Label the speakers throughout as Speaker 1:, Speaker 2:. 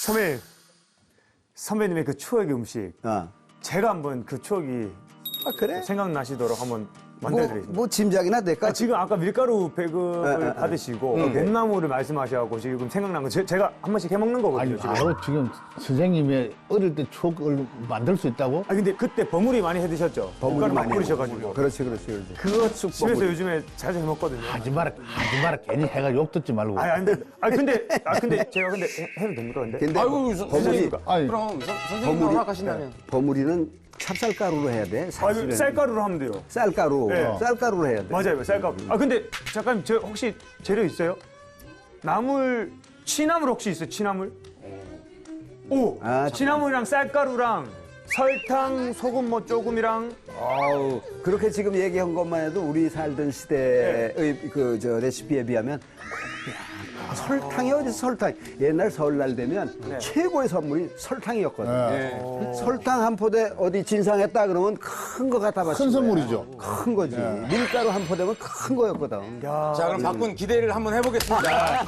Speaker 1: 선배님의 그 추억의 음식. 제가 한번 그 추억이
Speaker 2: 그래?
Speaker 1: 생각나시도록 한번 만들어드리겠습니다.
Speaker 2: 뭐 짐작이나 될까?
Speaker 1: 지금 아까 밀가루 배급을 받으시고 뱀나무를 말씀하셔갖고 지금 생각난 거 제가 한 번씩 해먹는 거거든요.
Speaker 3: 아니,
Speaker 1: 지금.
Speaker 3: 바로 지금 선생님의 어릴 때 추억을 만들 수 있다고?
Speaker 1: 근데 그때 버무리 많이 해드셨죠? 밀가루 막 뿌리셔가지고.
Speaker 2: 그렇지.
Speaker 1: 그거 집에서 요즘에 자주 해먹거든요.
Speaker 3: 하지 마라, 괜히 해가 욕 듣지 말고.
Speaker 1: 근데 제가 해도 됩니까 근데?
Speaker 2: 근데
Speaker 4: 아이고,
Speaker 2: 버무리,
Speaker 3: 아니,
Speaker 4: 그럼 선생님 허락하신다면.
Speaker 2: 버무리는 찹쌀가루로 해야 돼. 사실은.
Speaker 1: 쌀가루로 하면 돼요.
Speaker 2: 쌀가루.
Speaker 1: 네.
Speaker 2: 쌀가루로 해야 돼.
Speaker 1: 맞아요, 쌀가루. 근데 잠깐 저 혹시 재료 있어요? 취나물 혹시 있어요? 취나물? 오, 취나물이랑 쌀가루랑 설탕, 소금 뭐 조금이랑.
Speaker 2: 아우, 그렇게 지금 얘기한 것만 해도 우리 살던 시대의 레시피에 비하면 설탕이 어디서 설탕? 옛날 설날 되면 최고의 선물이 설탕이었거든. 설탕 한 포대 어디 진상했다 그러면 큰 거 갖다 바친
Speaker 3: 큰
Speaker 2: 거야.
Speaker 3: 선물이죠.
Speaker 2: 큰 거지. 밀가루 한 포대면 큰 거였거든.
Speaker 4: 자, 그럼 바꾼 기대를 한번 해보겠습니다.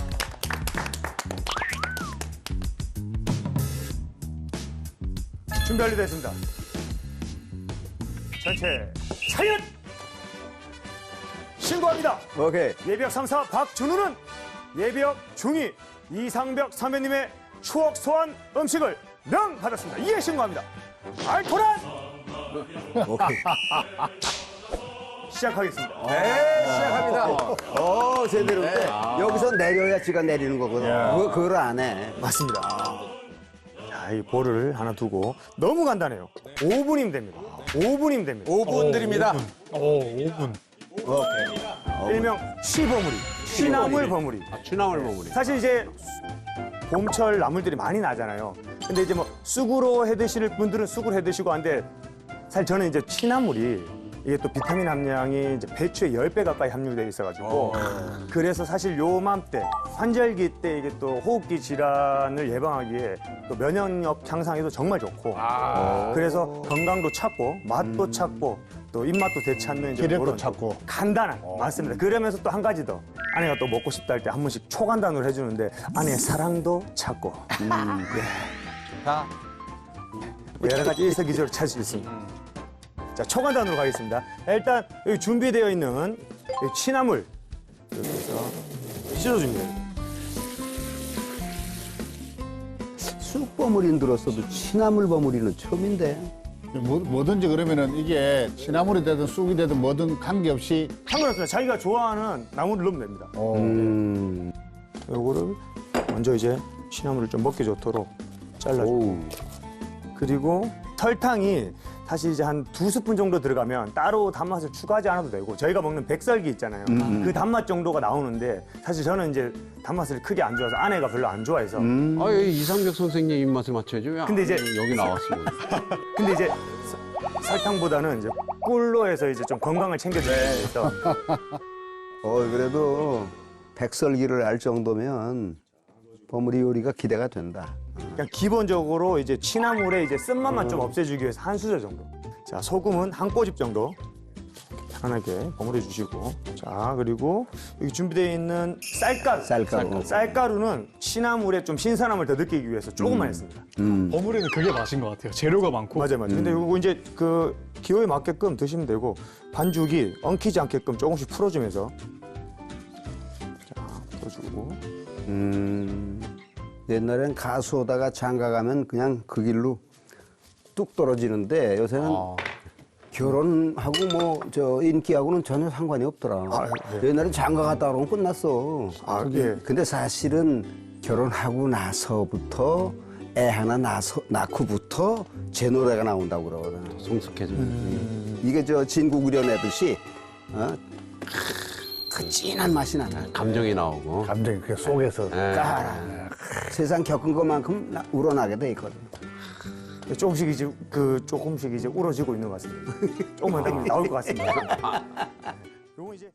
Speaker 1: 준비 완료됐습니다. 전체 차렷! 신고합니다.
Speaker 2: 오케이.
Speaker 1: 예비역 3사 박준우는 예비역 중위 이상벽 선배님의 추억 소환 음식을 명받았습니다. 이에 신고합니다. 알토란!
Speaker 2: 오케이.
Speaker 1: 시작하겠습니다.
Speaker 4: 네, 시작합니다.
Speaker 2: 제대로인데 여기서 내려야 지가 내리는 거거든. 그걸 안 해.
Speaker 1: 맞습니다. 자, 이 볼을 하나 두고 너무 간단해요. 5분이면 됩니다. 5분이면 됩니다.
Speaker 4: 5분 드립니다.
Speaker 1: 일명 취버무리, 취나물 버무리.
Speaker 4: 취나물 버무리.
Speaker 1: 사실 이제 봄철 나물들이 많이 나잖아요. 근데 이제 뭐 쑥으로 해 드실 분들은 쑥으로 해 드시고 한데 사실 저는 이제 취나물이 이게 또 비타민 함량이 이제 배추의 10배 가까이 함유되어 있어가지고 그래서 사실 요맘때 환절기 때 이게 또 호흡기 질환을 예방하기에 또 면역력 향상에도 정말 좋고 그래서 건강도 찾고 맛도 찾고 또 입맛도 되찾는 이제
Speaker 3: 기력도
Speaker 1: 그런
Speaker 3: 찾고.
Speaker 1: 간단한 맞습니다. 그러면서 또 한 가지 더 아내가 또 먹고 싶다 할 때 한 번씩 초간단으로 해주는데 아내의 사랑도 찾고
Speaker 4: 자,
Speaker 1: 여러 가지 일석이조를 찾을 수 있습니다. 자, 초간단으로 가겠습니다. 일단 여기 준비되어 있는 이 취나물 여기서 씻어줍니다.
Speaker 2: 쑥 버무리는 들었어도 취나물 버무리는 처음인데.
Speaker 3: 뭐든지 그러면은 이게 취나물이 되든 쑥이 되든 뭐든 관계없이
Speaker 1: 상관없습니다. 자기가 좋아하는 나물을 넣으면 됩니다. 요거를 먼저 이제 취나물을 좀 먹기 좋도록 잘라주고 그리고 설탕이 사실 이제 한 2스푼 정도 들어가면 따로 단맛을 추가하지 않아도 되고 저희가 먹는 백설기 있잖아요. 그 단맛 정도가 나오는데 사실 저는 이제 단맛을 크게 안 좋아해서 아내가 별로 안 좋아해서
Speaker 4: 이상벽 선생님 입맛을 맞춰야지. 왜
Speaker 1: 근데 이제
Speaker 4: 여기 나왔으면.
Speaker 1: 근데 이제 설탕보다는 이제 꿀로 해서 이제 좀 건강을 챙겨주기 위해서
Speaker 2: 그래도 백설기를 알 정도면 버무리 요리가 기대가 된다.
Speaker 1: 그냥 기본적으로 이제 취나물에 이제 쓴맛만 좀 없애주기 위해서 한 수저 정도. 자, 소금은 한 꼬집 정도 편하게 버무려 주시고. 자, 그리고 여기 준비되어 있는 쌀가루. 쌀가루는 취나물의 좀 신선함을 더 느끼기 위해서 조금만 했습니다.
Speaker 5: 버무리는 그게 맛인 것 같아요. 재료가 많고.
Speaker 1: 맞아요. 근데 이거 이제 그 기호에 맞게끔 드시면 되고 반죽이 엉키지 않게끔 조금씩 풀어주면서 자, 풀어주고.
Speaker 2: 옛날엔 가수 오다가 장가 가면 그냥 그 길로 뚝 떨어지는데 요새는 결혼하고 뭐 인기하고는 전혀 상관이 없더라. 옛날에 장가 갔다 오면 끝났어. 근데 사실은 결혼하고 나서부터 애 하나 낳고부터 제 노래가 나온다고 그러거든.
Speaker 4: 성숙해져.
Speaker 2: 이게 진국 우려내듯이 그 진한 맛이 나나.
Speaker 4: 감정이 나오고.
Speaker 3: 감정이 그 속에서
Speaker 2: 세상 겪은 것만큼 우러나게 돼 있거든.
Speaker 1: 조금씩 이제 우러지고 있는 것 같습니다. 조금만 더 나올 것 같습니다. 요건 이제